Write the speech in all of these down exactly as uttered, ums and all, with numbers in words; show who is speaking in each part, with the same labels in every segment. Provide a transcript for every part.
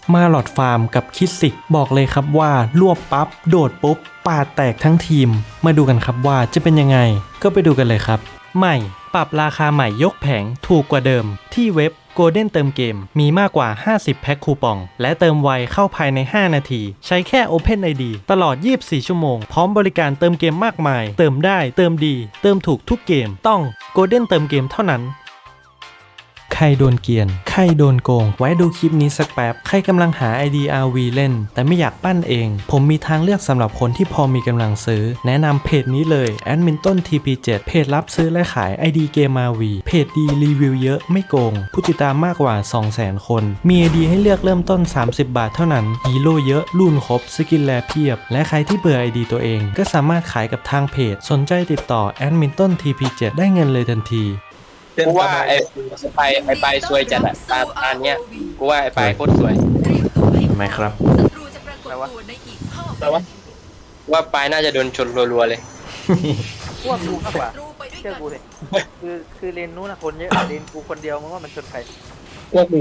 Speaker 1: มาหลอดฟาร์มกับคิดสิกบอกเลยครับว่ารวบปั๊บโดดปุ๊บปาดแตกทั้งทีมมาดูกันครับว่าจะเป็นยังไงก็ไปดูกันเลยครับใหม่ปรับราคาใหม่ยกแผงถูกกว่าเดิมที่เว็บ Golden เติมเกมมีมากกว่าห้าสิบแพ็คคูปองและเติมไวเข้าภายในห้านาทีใช้แค่ Open ไอ ดี ตลอดยี่สิบสี่ชั่วโมงพร้อมบริการเติมเกมมากมายเติมได้เติมดีเติมถูกทุกเกมต้อง Golden เติมเกมเท่านั้นใครโดนเกียนใครโดนโกงไว้ดูคลิปนี้สักแป๊บใครกำลังหา ไอ ดี อาร์ วี เล่นแต่ไม่อยากปั้นเองผมมีทางเลือกสำหรับคนที่พอมีกำลังซื้อแนะนำเพจนี้เลย แอดมินต้น ที พี เจ็ด เพจรับซื้อและขาย ไอ ดี เกม อาร์ วี เพจดีรีวิวเยอะไม่โกงผู้ติดตามมากกว่า สองแสน คนมี ไอ ดี ให้เลือกเริ่มต้นสามสิบบาทเท่านั้นฮีโร่เยอะรุ่นครบสกินแลเพียบและใครที่เบื่อ ไอ ดี ตัวเองก็สามารถขายกับทางเพจสนใจติดต่อแอดมินต้น ที พี เจ็ด ได้เงินเลยทันที
Speaker 2: กูว่าไอ้ไปไอ้ไปสวยจัดอะตาตาเนี้ยกูว่าไอ้ไปโคตรสวย
Speaker 1: ทำไมครับ
Speaker 2: แต่ว่าแต่ว่าว่าไปน่าจะโดนชนรัวๆเลย
Speaker 3: พวกกูมากกว่าเชื่อกูเลยคือคือเลนนู้นนะคนเยอะเลนกูคนเดียวมึงว่ามันชนใคร
Speaker 4: พวกกู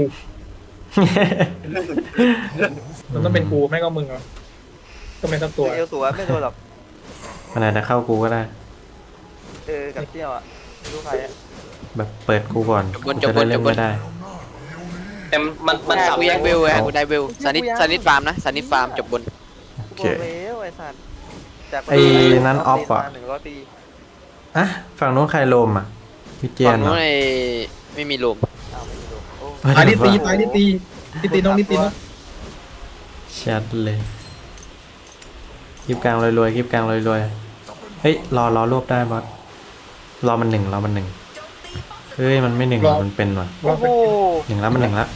Speaker 4: มันต้องเป็นกูไม่ก็มึงอ่ะก็ไม่สักตัว
Speaker 3: เอลตัวไม่โดนหรอก
Speaker 1: มันอาจจะเข้ากูก็ได้
Speaker 3: เออกับเที่ยวอ่ะไม่รู้ใครอ่ะ
Speaker 1: แบบเปิดกูก่อนกูจะได้เล่นไม่ได้
Speaker 2: แต่มันมัน
Speaker 5: กูยังเวลไงกูได้เวลสานิทสานิทฟาร์มนะสานิทฟาร์มจบบน
Speaker 1: โอเค
Speaker 3: ไอ้สัตว์
Speaker 1: ไอ้นั้นออฟอ่ะอะฝั่งนู้นใครโลมอ่ะพี่เจน
Speaker 5: ฝั่งนู้นไอ้ไม่มีโลม
Speaker 4: ตายนิตีตายนิตีนิตีน้องนิตีน้อง
Speaker 1: ชัดเลยคลิปกลางรวยๆคลิปกลางรวยๆเฮ้ยรอรอรวบได้บอสรอมันหนึ่งรอมันหนึ่งเฮ้ยมันไม่หนึ่งมันเป็นว่ะหนึ่งแล้วมันหนึ่งแล้ว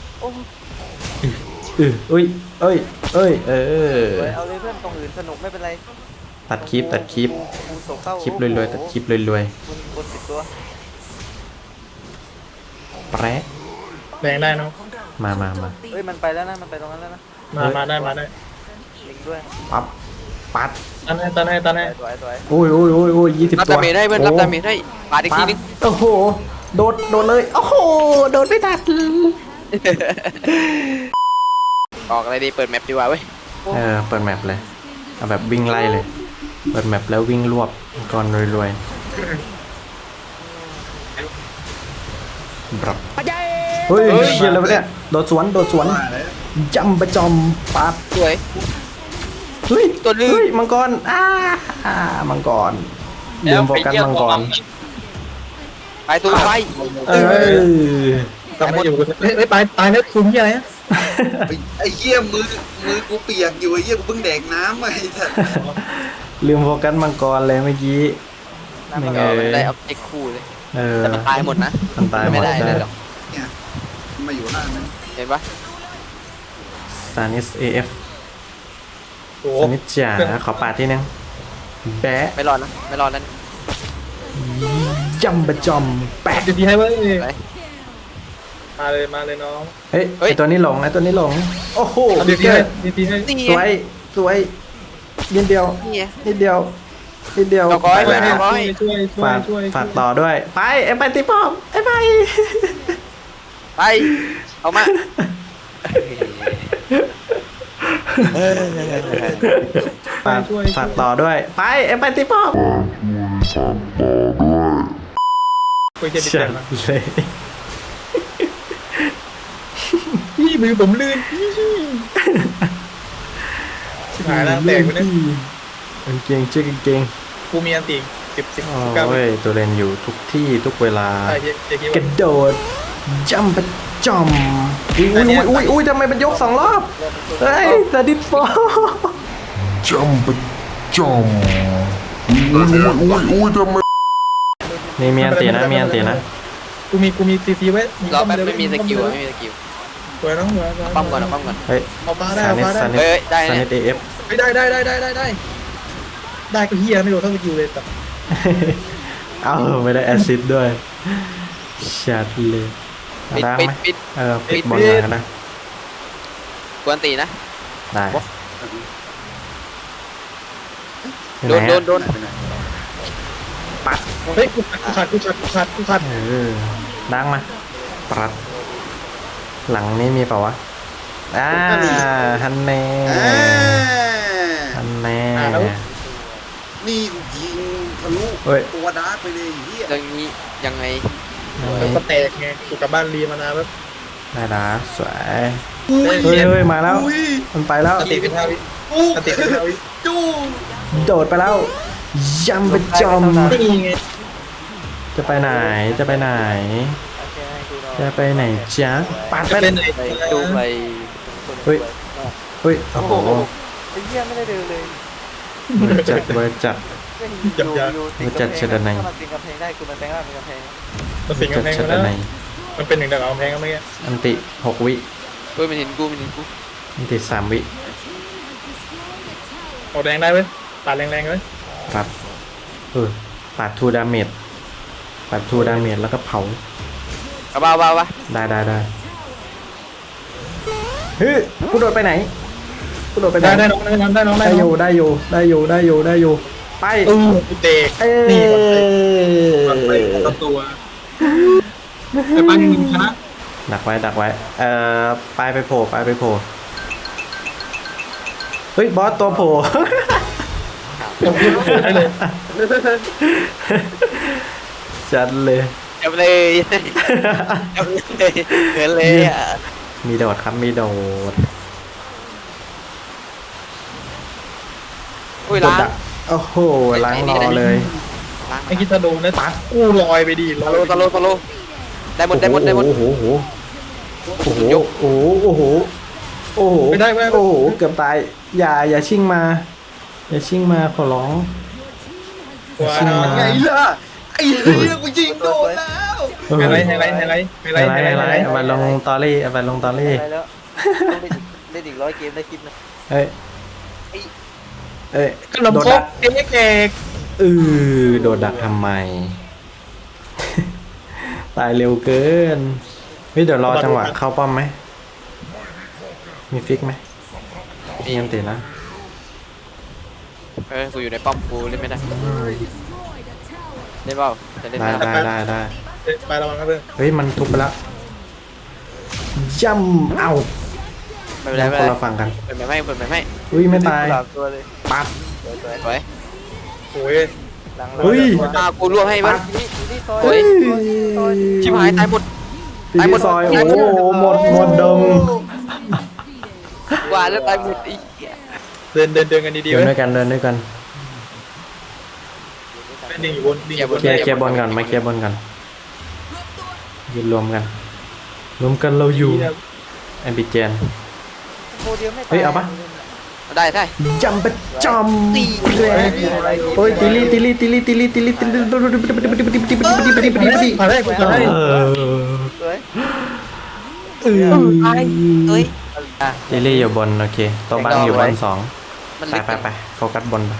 Speaker 1: อืออุ้ยเอ้ยเอ้ยเออ
Speaker 3: เอาเลยเพื่อนตรงอื่นสนุกไม่เป็นไร
Speaker 1: ตัดคลิปตัดคลิปคลิปรวยๆตัดคลิปรวยๆแปร
Speaker 4: แรงได้เนาะ
Speaker 1: มามามา
Speaker 3: เฮ้ยมันไปแล้วนะมันไปตรงนั้นแล้วนะ
Speaker 4: มามาได้มาได้
Speaker 3: ลิงด้วย
Speaker 1: ปั๊บปัด
Speaker 4: ตันให้ตันให้ตันให้
Speaker 1: โอ้ยโอ้ยโอ้ยโอ้ยยี่สิบตัว
Speaker 5: รับดาเมจได้เพื่อนรับดาเมจได้ปาดอีกทีนึง
Speaker 1: โอ้โหโดดโดดเลยโอ้โหโดดไม่ตัด
Speaker 5: ออกอะไรดีเปิดแมปดีกว่าเว้ย
Speaker 1: เออเปิดแมปเลยเอาแบบวิ่งไล่เลยเปิดแมปแล้ววิ่งรวบก่อนรวยๆบรับเฮ้ยเชี่ยแล้วเนี่ยโดดสวนโดดสวนจำประจอมปั๊บ
Speaker 5: สวย
Speaker 1: เฮ้ยตัวนึงเฮ้ยมังกรอ้าอ่ามังกรลืมโฟกัสมังกร
Speaker 5: ไปตัวไป
Speaker 1: เออ
Speaker 4: ทำไม่อยู่เฮ้ยตายตายแล้วคุ้มยังไง
Speaker 6: ไอ้เหี้ยมือมือกูเปียกอยู่ไอ้เหี้ยกูเพิ่งแดกน้ำไอ้สัส
Speaker 1: ลืมโฟกัสมังกรเลยเมื่อกี้
Speaker 5: ไม่เงยได้เอาเอ็กคู่เลยแต่มันตายหมดนะ
Speaker 1: มันตายหมด
Speaker 5: ไม่ได้เลยหรอก
Speaker 6: เนี่ยมาอยู่ล่างนั้น
Speaker 5: เห็นปะ
Speaker 1: ซานิสเอฟซานิสจ๋าขอปาดที่นึงแปะ
Speaker 5: ไม่รอดนะไม่รอดนั่น
Speaker 1: จำประจอมแปะ
Speaker 4: ดีให้เว้ยมาเลยมาเลยน้อง
Speaker 1: เฮ้ยไอตัวนี้หลงไอตัวนี้หลงโอ้โห
Speaker 4: ดีให้ดีให้
Speaker 1: สวยสวยนิดเดียวนิดเดียวนิดเดียว
Speaker 5: ต่อก้อยไปต่อก้อย
Speaker 1: ฝากฝากต่อด้วยไปไอไปตีป้อมไอไป
Speaker 5: ไปเอามา
Speaker 1: ฝากฝากต่อด้วยไปไอไปตีป้อม
Speaker 4: คุยเจ็บเจ็บเลยพี่มือผมลื่นชิบหายแล้วแตกไปเลย
Speaker 1: เก่งเจ๊เก่ง
Speaker 4: กูมีอันตีสิบสิบ
Speaker 1: เก้าเว้ยตัวเล่นอยู่ทุกที่ทุกเวลากระโดดจัมป์ประจอมอุ้ยอุ้ยอุ้ยอุ้ยทำไมมันยกสองรอบเฮ้ยสดิฟอจัมป์ประจอมอุ้ยอุ้ยอุ้ยทำไมนี่มีอันตีนะมีอันตีนะ
Speaker 4: กูมีกูมีซีซีไว้
Speaker 5: เราแบบไม่มีสกิลไม่มีสกิล
Speaker 4: สวยน้องสวย
Speaker 5: ปั้มก่อนปั้มก่อน
Speaker 1: เฮ้ย
Speaker 4: เอามาได้เอามาได้
Speaker 5: เฮ้ยได้
Speaker 1: ซานิสเอฟ
Speaker 4: ไม่ได้ได้ได้ได้ได้ได้ได้ก็เฮียไม่โดนเท่าสกิลเลยแต่
Speaker 1: เอ้าไม่ได้แอซิดด้วยชัดเลย
Speaker 5: ปิดปิดปิด
Speaker 1: เออปิดบอลเลยนะ
Speaker 5: กวนตีนะ
Speaker 1: ได้
Speaker 5: โดนโดนโดน
Speaker 1: ปัด
Speaker 4: เฮ้ยกูขาดกูขาดกูขาดกูขาด
Speaker 1: เออดังมาปัดหลังนี้มีเปล่าวะอ่าฮันแน่
Speaker 6: อ่า
Speaker 1: ฮันแน่
Speaker 6: นี่ยิงทะลุ
Speaker 1: เฮ้ย
Speaker 6: ตัวดาร์กไปเลยไอ้เฮีย
Speaker 5: เรื่องนี้ยังไง
Speaker 4: แล้วก็แตกไงกูกลับบ้านรีมานานแล้ว
Speaker 1: ได้ละสวย
Speaker 4: เฮ้ย
Speaker 1: เฮ้ยเฮ้ยมาแล้ว
Speaker 6: อุ้ย
Speaker 1: มันไปแล้ว
Speaker 4: สติเป็นห้าวิ
Speaker 6: ปุ๊บ
Speaker 4: สติเป็นห้าวิ
Speaker 6: จู้
Speaker 1: โดดไปแล้วยำเป็นจอม
Speaker 4: นี่ไง
Speaker 1: จะไปไหนจะไปไหน
Speaker 3: โอเคให้กูรอ
Speaker 1: จะไปไหนจ๊ะปาด
Speaker 4: จะ
Speaker 1: ไป
Speaker 4: เป็นไหน
Speaker 5: ไปดูไป
Speaker 1: เฮ้ยเฮ้ยโอ้โห
Speaker 3: ไอ้เหี้ยไม่ได้เดินเลย
Speaker 1: เบอร์จัดเบอร์จัด
Speaker 3: ไม่อยู่อยู่ติด
Speaker 1: มันจัด
Speaker 3: กำแพ
Speaker 1: เชิ
Speaker 3: ง
Speaker 1: ดด้านใน
Speaker 3: ถ้ามันเป็นกำแพงได้กูมันแปลงร่างเป็นกำแพง
Speaker 4: มันสิง
Speaker 1: จัด
Speaker 4: กำแพง
Speaker 1: เชิด
Speaker 4: มา
Speaker 1: ด้านใน
Speaker 4: แล้วมันเป็นหนึ่งดาวกำแพงก็ไม่แก่
Speaker 1: อันติหกวิ
Speaker 5: เฮ้ยมันเห็นกูมันเห็นกู
Speaker 1: อันติสามวิ
Speaker 4: ออกแรงได้ไหมปาดแรงๆเลย
Speaker 1: ปัดเออปัดทูดาเมจปัดทูดาเมจแล้วก็เผา
Speaker 5: กระเป๋าเบาปะ
Speaker 1: ได้ได้ได้เฮ้ยกูโดดไปไหนกูโดดไปไหน
Speaker 4: ได้ได้น้องได้น้องได้น้องได้
Speaker 1: ได้อ
Speaker 4: น้อยู่ ง
Speaker 1: ได้อยู่ได้อยู่ได้อยู่ได้อยู่ไป
Speaker 4: เออเด็ก
Speaker 1: เอ้ย
Speaker 4: นี่ก่อนไปก่อนไปตัวไอ้ปั้นยิงชนะ
Speaker 1: ดักไว้ดักไว้เอ่อปลายไปโผล่ปลายไปโผล่เฮ้ยบอสตัวโผล่
Speaker 4: ผมยิงได้เลย
Speaker 1: จัดเลย
Speaker 5: จับเลยจับเลยเหินเลยอ่ะ
Speaker 1: มีโดดครับมีโดด
Speaker 5: อุ้ย
Speaker 1: โด
Speaker 5: ล้า
Speaker 1: ด
Speaker 5: ง
Speaker 1: ดักโอ้โหล้างรอเลย
Speaker 5: ล้าง
Speaker 4: ไอ้คิดจะโดนนะตัดกู้ลอยไปดิล
Speaker 5: ตะ
Speaker 4: อย
Speaker 5: โลตะโลตะโลได้หมดได้หมดได้หมด
Speaker 1: โอ้โหโอ้โหโอ้โหโอ้โหโอ้โห
Speaker 4: ไม่ได้ไม่ได้
Speaker 1: โอ้โหเกือบตายอย่าอย่าชิ่งมาอย่าชิ่งมาขอร้อง
Speaker 4: ว้า
Speaker 1: ชิงมา
Speaker 6: ไงล่ะไอ้เฮียกูยิงโดนแล้ว
Speaker 4: ไฮไลท์ไฮไลท์ไฮไลท์ไฮไล
Speaker 1: ไฮ
Speaker 4: ท์
Speaker 1: ไล
Speaker 4: ไฮ
Speaker 1: ท์
Speaker 4: ไล
Speaker 1: ไฮ
Speaker 4: ท์
Speaker 1: ไลท์เอาไปลงตอรี่เอาไปลงตอรี่
Speaker 3: ได้แล้วต้องเล่นเล่นอีกร้อยเกมได้คลิปนะ
Speaker 1: เฮ้ยเอ้ย
Speaker 4: ขนม
Speaker 1: โดด
Speaker 4: คร
Speaker 1: ดั
Speaker 4: ก
Speaker 1: ก
Speaker 4: เอ็กเอก
Speaker 1: เออโดดดักทำไม ตายเร็วเกินเฮ้ยเดี๋ยวรอจังหวะเข้าป้อมไหมมีฟิกไหมมีอันตินะ
Speaker 5: เออกูอยู่ในป้อมกูเล่นไม่ได้เล่นเปล่าจะเล่น
Speaker 1: ได้
Speaker 5: ไม่ได้
Speaker 1: ได้ได้ได้
Speaker 4: ไประวังนะเพื่อน
Speaker 1: เฮ้ยมันทุบไปแล้วย่ำเอ้า
Speaker 5: ไม่เป็นไรไม่
Speaker 1: ค
Speaker 5: เป็น นไร
Speaker 1: ละฝั่งกัน
Speaker 5: เปิดไม่ไม่เปิดไม่ไม่
Speaker 1: อุ้ยไม่ตาย
Speaker 3: สามตัวเลย
Speaker 1: ปัด
Speaker 3: สวยสวย
Speaker 5: สวย
Speaker 4: โอ้ย
Speaker 3: หลัง
Speaker 1: เฮ้ย
Speaker 5: ตากูรวบให้มัน
Speaker 3: นี่นี่ซอย
Speaker 5: เฮ้ย
Speaker 3: ซอย
Speaker 5: ชิบหายตายหมด
Speaker 1: ตีที่ซอยโอ้โหหมดหมดดง
Speaker 5: กว่าแล้วตายหมดอีก
Speaker 4: เดินเดินเดินกันดีๆ
Speaker 1: เดิน
Speaker 4: เว้
Speaker 1: ด้วย ยกันเดินด้วยกัน
Speaker 4: เป็นดิ่งอยู่บนดิ่งอยู่บน
Speaker 1: เคลียร์เคลียร์บอลก่อนมาเคลียร์บอลก่อนยืนรวมกัน รวมกันเราอยู่แอมบิเจน
Speaker 3: โมเดียวไม่ตาย
Speaker 1: เฮ้ยเอาปะ
Speaker 5: ได้ได้
Speaker 1: จำประจำตีแรงโอ้ยติลี่ติลี่ติลี่ติลี่ติลี่ติลี่
Speaker 4: ผ่านได้กูผ่านได้
Speaker 1: เออ
Speaker 3: สวย
Speaker 1: เออ
Speaker 5: เฮ้ย
Speaker 1: ติลี่อยู่บนโอเคตัวบังอยู่บนสอง
Speaker 5: มัน
Speaker 1: ไป
Speaker 5: เล็ก
Speaker 1: ไปไปโฟกัสบนไป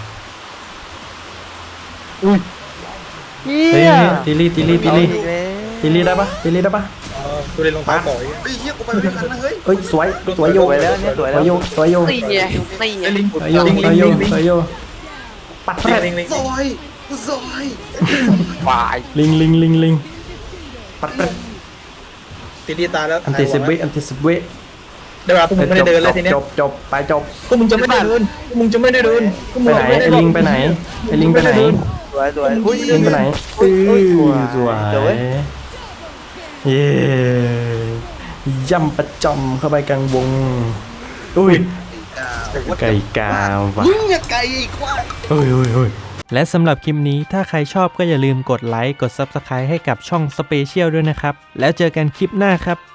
Speaker 3: เฮี
Speaker 1: เฮ้ย
Speaker 3: ย
Speaker 1: ติลี่ติลี่ติลี่
Speaker 3: เอาอีกแล้ว
Speaker 1: ติลี่ได้ปะติลี่ได้ปะ
Speaker 4: กูเล่นรองเท้าต่อย
Speaker 6: ไอ้เฮียกูไปไม่ทันนะเฮ้ย
Speaker 1: เอ้ยสวยสวยโย
Speaker 3: สวยแล้วเนี่ยสวย
Speaker 1: ส
Speaker 3: แล้ว
Speaker 1: วยโยสวยโย
Speaker 5: นี่ไงนี่ไง
Speaker 4: ไอ้ลิง
Speaker 1: สวยโย
Speaker 4: ลิง
Speaker 1: ส
Speaker 4: ลิ
Speaker 1: วย
Speaker 4: ง
Speaker 1: โย
Speaker 4: ลิงลิง
Speaker 1: สวยโยปัดแท
Speaker 4: ลิงลิง
Speaker 6: ซอยกูซอย
Speaker 5: วาย
Speaker 1: ลิงลิงลิงลิงปัดแท
Speaker 4: ตีดีตายแล้ว
Speaker 1: อันติสิบวิอันติสิบวิ
Speaker 4: เดี๋ยวพวกมึงไม่ได้เดินแล้วทีเนี้ย
Speaker 1: จบจบไปจบ
Speaker 4: พวกมึงจะไม่ได้เดินพวกมึงจะไม่ได้เดินพวก
Speaker 1: ไป
Speaker 4: มึง
Speaker 1: ไหนไอ้ลิงไปไหนไอ้ลิงไปไหน
Speaker 3: สวยสวยอุ้ย
Speaker 1: ลิงไปไหนเออสวย
Speaker 3: เดี๋ยวเว้ย
Speaker 1: เย้ย่ำประจำเข้าไปกลางวงอุ้ยไก่กาวว่ะ
Speaker 6: มึงอย่าไกลอีกว่า
Speaker 1: เฮ้ยเฮ้ยเฮ้ยและสำหรับคลิปนี้ถ้าใครชอบก็อย่าลืมกดไลค์กด ซับสไครบ์ ให้กับช่องสเปเชียลด้วยนะครับแล้วเจอกันคลิปหน้าครับ